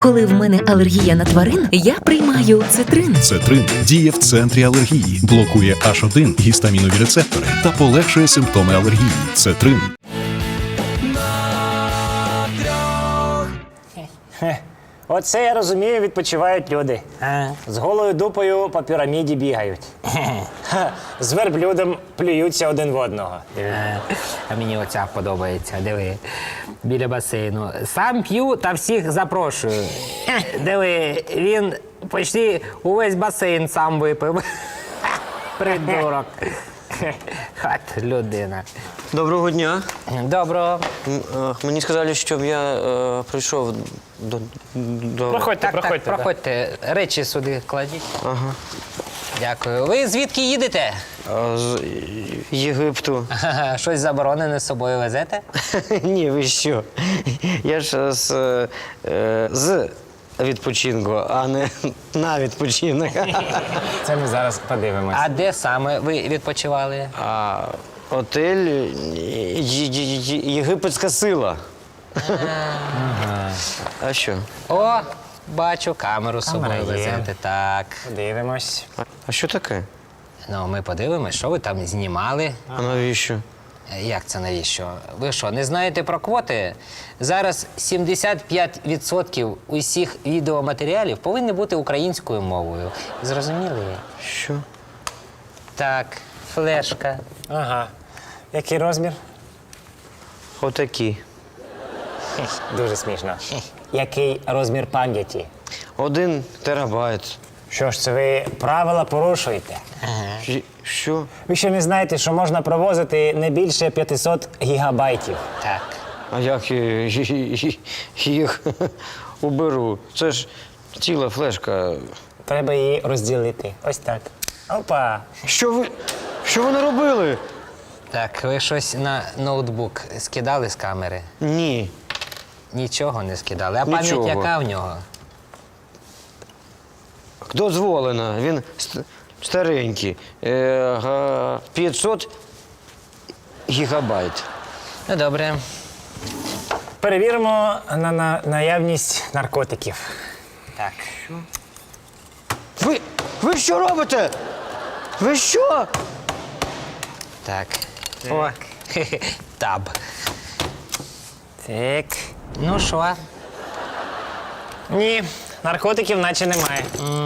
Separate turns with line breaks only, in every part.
Коли в мене алергія на тварин, я приймаю цитрин.
Цетрин діє в центрі алергії, блокує H1 гістамінові рецептори та полегшує симптоми алергії. Цетрин.
Оце, я розумію, відпочивають люди. З голою дупою по піраміді бігають. З верблюдом плюються один в одного.
А мені оця подобається, диви, біля басейну. Сам п'ю та всіх запрошую. Диви, він почти увесь басейн сам випив. Придурок. Хат людина.
Доброго дня.
Доброго.
Мені сказали, щоб я прийшов до...
Проходьте,
Так, проходьте. Речі сюди кладіть.
Ага.
Дякую. Ви звідки їдете?
З Єгипту.
Щось заборонене з собою везете?
Ні, ви що? Я ж з відпочинку, а не на відпочинок.
Це ми зараз подивимось.
А де саме ви відпочивали?
Отель Єгипетська сила. А що?
О, бачу, камеру з собою
Камера є.
везете. Так.
Подивимось.
А що таке?
Ну, ми подивимось, що ви там знімали.
А навіщо?
Як це навіщо? Ви що, не знаєте про квоти? Зараз 75% усіх відеоматеріалів повинні бути українською мовою. Зрозуміли?
Що?
Так, флешка.
Ага. Який розмір?
Отакі.
Дуже смішно. Який розмір пам'яті?
1 терабайт.
Що ж це ви правила порушуєте?
Що?
Ви ще не знаєте, що можна провозити не більше 500 гігабайтів.
Так.
А як я їх уберу? Це ж ціла флешка.
Треба її розділити. Ось так. Опа!
Що ви наробили?
Так, ви щось на ноутбук скидали з камери?
Ні.
Нічого не скидали. А пам'ять
Нічого.
яка в нього?
Дозволено. Він старенький. 500 гігабайт.
Ну, добре.
Перевіримо на наявність наркотиків.
Так.
Ви що робите? Ви що?
Так. О, таб.
Так.
Ну що?
Ні, наркотиків наче немає.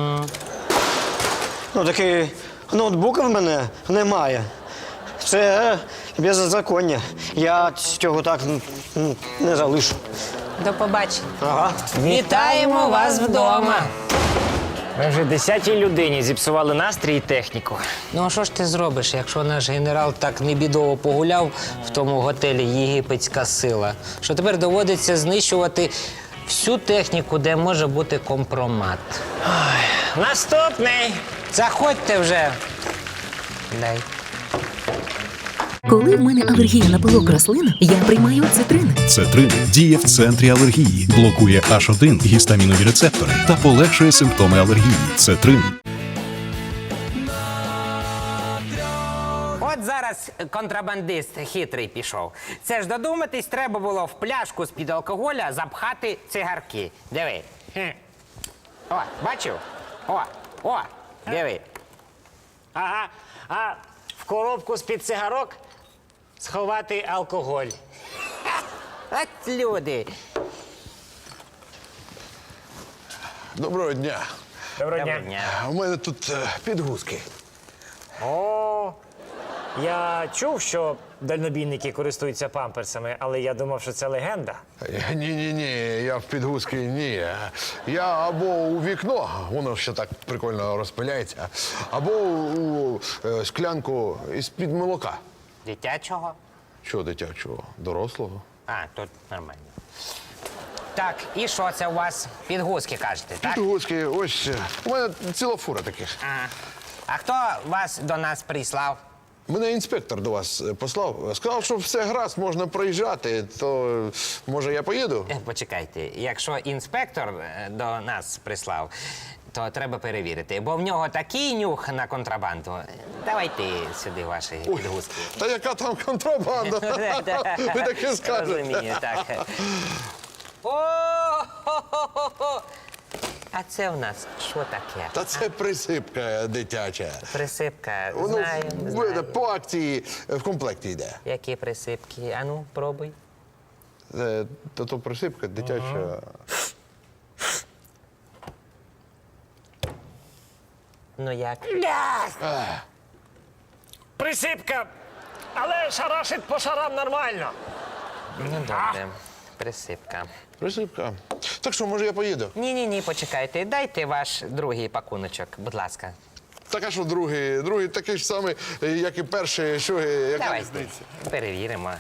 Ну, таки ноутбука в мене немає. Це беззаконня. Я цього так не залишу.
До побачення.
Ага.
Вітаємо вас вдома.
Ми вже 10-й людині зіпсували настрій і техніку.
Ну, а що ж ти зробиш, якщо наш генерал так небідово погуляв в тому готелі «Єгипетська сила», що тепер доводиться знищувати всю техніку, де може бути компромат.
Наступний!
Заходьте вже. Дай.
Коли в мене алергія на пилок рослин, я приймаю цитрин.
Цетрин діє в центрі алергії, блокує H1 гістамінові рецептори та полегшує симптоми алергії. Цетрин.
От зараз контрабандист хитрий пішов. Це ж додуматись треба було в пляшку з-під алкоголя запхати цигарки. Диви. О, бачив? О, диви.
Ага, а в коробку з-під цигарок сховати алкоголь.
От люди.
Доброго дня.
Доброго
Доброго
дня.
дня.
У мене тут підгузки.
О, я чув, що дальнобійники користуються памперсами, але я думав, що це легенда.
Ні, я в підгузки ні. Я або у вікно, воно ще так прикольно розпиляється, або у склянку із-під молока.
Дитячого?
Чого дитячого? Дорослого?
А, тут нормально. Так, і що це у вас? Підгузки, кажете, так?
Підгузки, ось у мене ціла фура таких.
А хто вас до нас прислав?
Мене інспектор до вас послав. Сказав, що все гаразд, можна проїжджати, то може я поїду?
Почекайте, якщо інспектор до нас прислав, то треба перевірити, бо в нього такий нюх на контрабанду. Давайте сюди ваші підгузки.
Та яка там контрабанда? Ви таке скажете.
Розумію, так. О, А це в нас що таке?
Та це присипка дитяча.
Присипка.
Воно
Знаю.
по акції в комплекті йде.
Які присипки? Ану, пробуй.
То присипка дитяча.
Ну як?
Присипка, але шарашить по шарам нормально.
Ну добре. Присипка.
Присипка. Так що, може, я поїду?
Ні, почекайте. Дайте ваш другий пакуночок, будь ласка.
Так, а що другий такий ж самий, як і перший, що яка
Давайте
різниця?
перевіримо.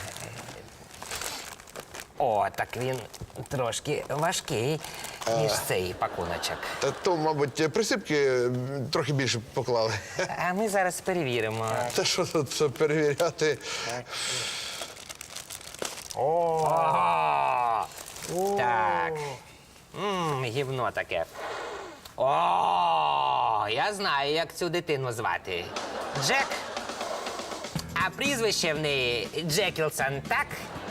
О, так він трошки важкий, ніж цей пакуночок.
Та то, мабуть, присипки трохи більше поклали.
А ми зараз перевіримо.
Та що тут це перевіряти?
Так. Гівно таке. О, я знаю, як цю дитину звати. Джек. А прізвище в неї Джекілсон, так?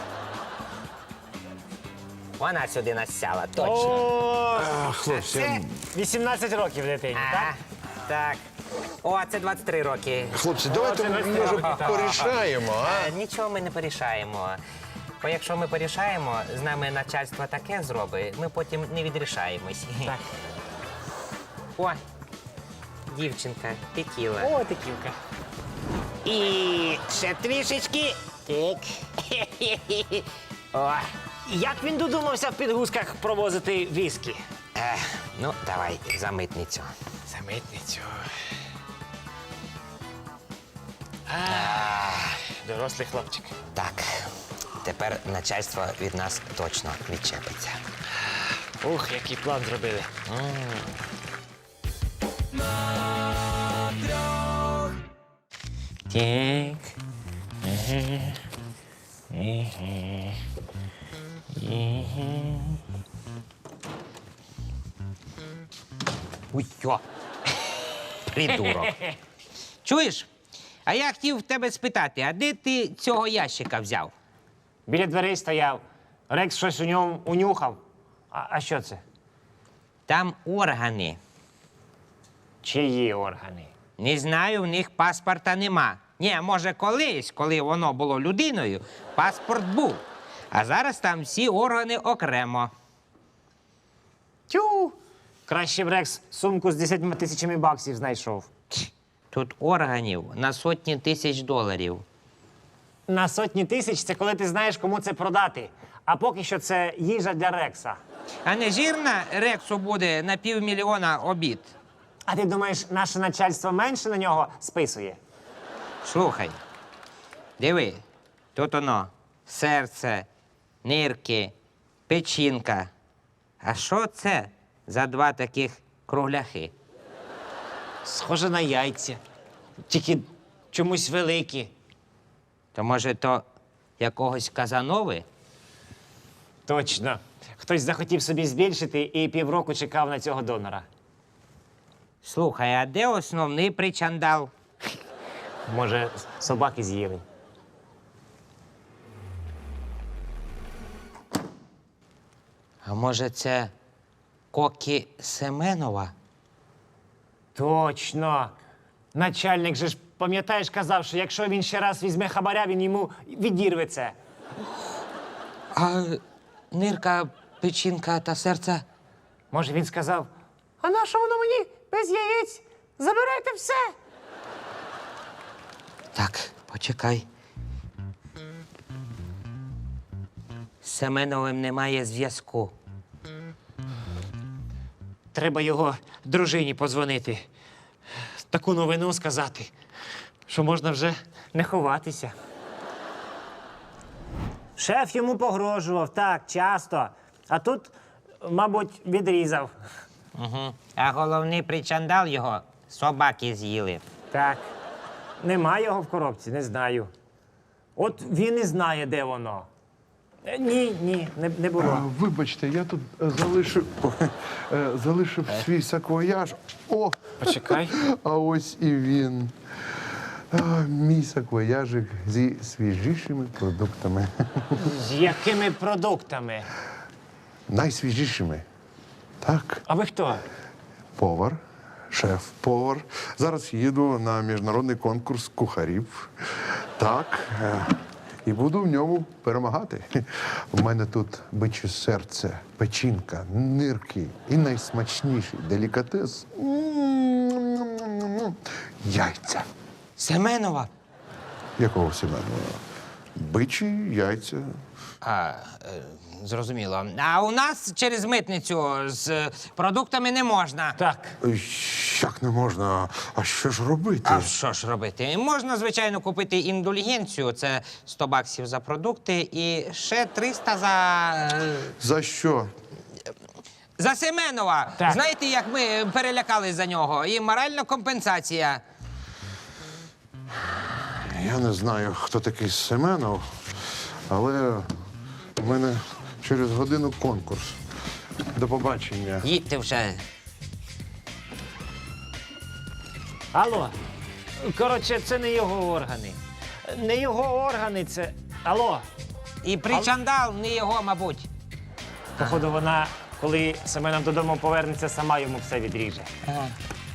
Вона сюди насяла, точно.
О,
Хлопці,
Це?
18 років дитині,
Ага,
так?
так. О, це 23 роки.
хлопці, давайте,
це
може,
так.
порішаємо, а?
Нічого ми не порішаємо. Бо якщо ми порішаємо, з нами начальство таке зробить, ми потім не відрішаємось.
Так.
О, дівчинка, текіла.
О, текілка.
І ще трішечки. Так. О,
Як він додумався в підгузках провозити віскі?
ну, давай, за митницю.
За митницю. Дорослий хлопчик.
Так, тепер начальство від нас точно відчепиться.
Ух, який план зробили.
Так. Ой, йо. Придурок. Чуєш? А я хотів в тебе спитати, а де ти цього ящика взяв?
Біля дверей стояв. Рекс щось у ньому унюхав. А що це?
Там органи.
Чиї органи?
Не знаю, в них паспорта нема. Ні, може, колись, коли воно було людиною, паспорт був. А зараз там всі органи окремо.
Тю! Краще б Рекс сумку з 10 тисячами баксів знайшов.
Тут органів на сотні тисяч доларів.
На сотні тисяч це коли ти знаєш, кому це продати. А поки що це їжа для Рекса.
А не жирна Рексу буде на $500,000 обід.
А ти думаєш, наше начальство менше на нього списує?
Слухай, диви, тут воно серце, нирки, печінка. А що це за два таких кругляхи?
Схоже на яйця. Тільки чомусь великі.
То може то якогось Казанови?
Точно. Хтось захотів собі збільшити і півроку чекав на цього донора.
Слухай, а де основний причандал?
Може, собаки з'їли.
А може це Кокі Семенова?
Точно. Начальник же ж, пам'ятаєш, казав, що якщо він ще раз візьме хабаря, він йому відірве це.
А нирка, печінка та серце?
Може, він сказав: а на що воно мені без яєць? Забирайте все.
Так, почекай. З Семеновим немає зв'язку.
Треба його дружині подзвонити. Таку новину сказати, що можна вже не ховатися. Шеф йому погрожував, так, часто. А тут, мабуть, відрізав.
Угу. А головний причандал його собаки з'їли.
Так. Нема його в коробці, не знаю. От він і знає, де воно. Ні, не було.
Вибачте, я тут залишив свій саквояж. О,
Почекай.
а ось і він. Мій саквояжик зі свіжішими продуктами.
З якими продуктами?
найсвіжішими. Так,
А ви хто?
повар, шеф-повар. Зараз їду на міжнародний конкурс кухарів. Так, і буду в ньому перемагати. У мене тут биче серце, печінка, нирки і найсмачніший делікатес яйця.
Семенова.
Якого Семенова? Бичі яйця.
Зрозуміло. А у нас через митницю з продуктами не можна.
Так.
Як не можна? А що ж робити?
А що ж робити? Можна, звичайно, купити індульгенцію. Це 100 баксів за продукти і ще 300
За що?
за Семенова.
Так.
Знаєте, як ми перелякались за нього? І моральна компенсація.
Я не знаю, хто такий Семенов, але в мене через годину конкурс. До побачення.
Їдьте вже.
Алло. Коротше, це не його органи. Не його органи, це. Алло.
І причандал не його, мабуть.
Походу, вона, коли Семенов додому повернеться, сама йому все відріже.